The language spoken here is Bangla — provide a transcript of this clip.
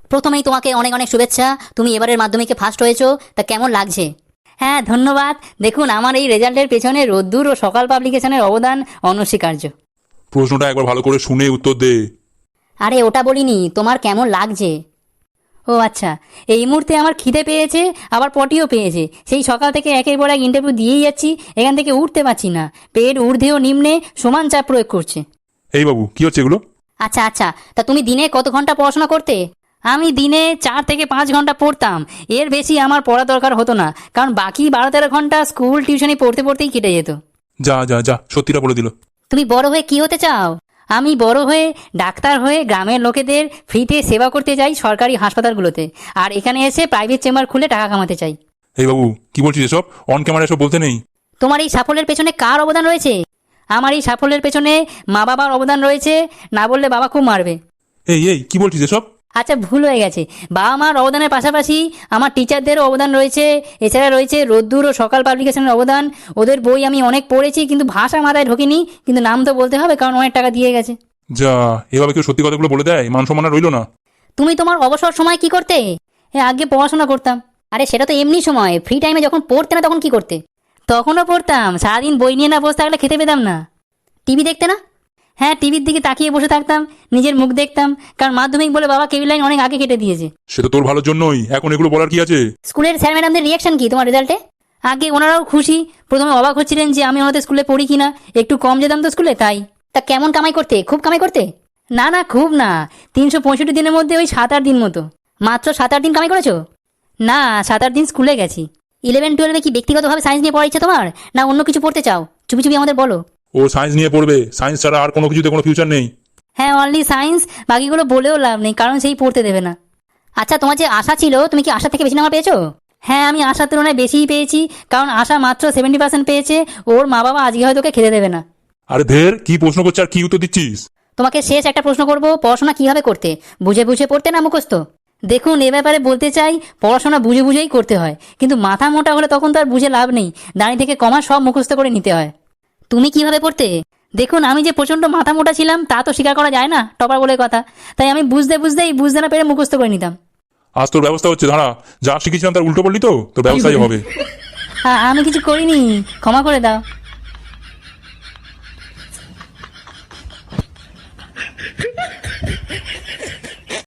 প্রথমেই তোমাকে অনেক অনেক শুভেচ্ছা। তুমি এবারের মাধ্যমিকে ফার্স্ট হয়েছো, তা কেমন লাগছে? হ্যাঁ ধন্যবাদ। দেখুন আমার এই রেজাল্টের পেছনে রোদ্দুর ও সকাল পাবলিকেশনের অবদান অনস্বীকার্য। প্রশ্নটা একবার ভালো করে শুনে উত্তর দে। আরে ওটা বলিনি, তোমার কেমন লাগছে। ও আচ্ছা, এই মুহূর্তে আমার খিদে পেয়েছে, আবার পটিও পেয়েছে। সেই সকাল থেকে একের পর এক ইন্টারভিউ দিয়েই যাচ্ছি, এখান থেকে উঠতে পারছি না। পেট ঊর্ধ্বে ও নিম্নে সমান চাপ প্রয়োগ করছে। এই বাবু, কি হচ্ছে এগুলো? আচ্ছা আচ্ছা, তা তুমি দিনে কত ঘন্টা পড়াশোনা করতে? আমি দিনে 4 থেকে 5 ঘন্টা পড়তাম। এর বেশি আমার পড়া দরকার হতো না, কারণ বাকি 12-13 ঘন্টা স্কুল টিউশনি পড়তে পড়তেই কেটে যেত। যা যা যা, সত্যিটা বলে দিল। তুমি বড় হয়ে কি হতে চাও? আমি বড় হয়ে ডাক্তার হয়ে গ্রামের লোকেদের ফ্রিতে সেবা করতে চাই সরকারি হাসপাতালগুলোতে, আর এখানে এসে প্রাইভেট চেম্বার খুলে টাকা কামাতে চাই। এই বাবু, কি বলছিস এসব? অন ক্যামেরা এসব বলতে নেই। তোমার এই সাফল্যের পেছনে কার অবদান রয়েছে? আমার এই সাফল্যের পেছনে মা বাবার অবদান রয়েছে, না বললে বাবা খুব মারবে। এই এই, কি বলছিস এসব? আচ্ছা ভুল হয়ে গেছে, বাবা মার অবদানের পাশাপাশি আমার টিচারদেরও অবদান রয়েছে। এছাড়া রয়েছে রোদ্দুর ও সকাল পাবলিকেশনের অবদান। ওদের বই আমি অনেক পড়েছি, কিন্তু ভাষা মাথায় ঢোকেনি। কিন্তু নাম তো বলতে হবে, কারণ অনেক টাকা দিয়ে গেছে। যা, এভাবে কেউ সত্যি কথাগুলো বলে দেয়? মান সম্মান আর রইল না। তুমি তোমার অবসর সময় কি করতে? আগে পড়াশোনা করতাম। আরে সেটা তো এমনি সময়, ফ্রি টাইমে যখন পড়তে না তখন কি করতে? তখনও পড়তাম, সারাদিন বই নিয়ে না বসে থাকলে খেতে পেতাম না। টিভি দেখতে না? হ্যাঁ, টিভির দিকে তাকিয়ে বসে থাকতাম, নিজের মুখ দেখতাম, কারণ মাধ্যমিক বলে বাবা কেবল লাইন অনেক আগে কেটে দিয়েছে। সেটা তোর ভালোর জন্যই, এখন এগুলো বলার কি আছে? স্কুলের স্যার ম্যাডামদের রিয়াকশন কি তোমার রেজাল্টে? আগে ওনারাও খুশি, প্রথমে অবাক হচ্ছিলেন যে আমি ওনাদের স্কুলে পড়ি কিনা, একটু কম যেতাম তো স্কুলে তাই। তা কেমন কামাই করতে? খুব কামাই করতে? না না, খুব না। 365 দিনের মধ্যে ওই 7-8 দিন মতো। মাত্র 7-8 দিন কামাই করেছো? না, 7-8 দিন স্কুলে গেছি। 11-12 কি ব্যক্তিগতভাবে সায়েন্স নিয়ে পড়া ইচ্ছে তোমার, না অন্য কিছু পড়তে চাও? চুপি চুপি আমাদের বলো। ও সায়েন্স নিয়ে পড়বে, সায়েন্স ছাড়া আর কোনো কিছুতে কোনো ফিউচার নেই। হ্যাঁ, অনলি সায়েন্স, বাকিগুলো বলেও লাভ নেই, কারণ সেই পড়তে দেবে না। আচ্ছা, তোমার যে আশা ছিল, তুমি কি আশা থেকে বেশি নাম্বার পেয়েছো? হ্যাঁ, আমি আশার তুলনায় বেশিই পেয়েছি, কারণ আশা মাত্র 70% পেয়েছে। ওর মা বাবা আজকে হয়তো ওকে খেতে দেবে না। আরে ধের, কি প্রশ্ন করছে আর কি উত্তর দিচ্ছিস? তোমাকে শেষ একটা প্রশ্ন করব, পড়াশোনা কিভাবে করতে? বুঝে বুঝে পড়তে না মুখস্থ? দেখুন, এ ব্যাপারে বলতে চাই, পড়াশোনা বুঝে বুঝেই করতে হয়, কিন্তু মাথা মোটা হলে তখন তো আর বুঝে লাভ নেই। দাঁড়িয়ে থেকে কমা সব মুখস্থ করে নিতে হয়। তুমি কিভাবে পড়তে? দেখুন, আমি যে প্রচণ্ড মাথা মোটা ছিলাম তা তো স্বীকার করা যায় না, টপার বলে কথা। তাই আমি বুঝতে না পেরে মুখস্থ করে নিতাম। আজ তোর ব্যবস্থা হচ্ছে, দাঁড়া। যা শিখেছিলাম তার উল্টো বললি তো, তোর ব্যবস্থাই হবে। আমি কিছু করিনি, ক্ষমা করে দাও।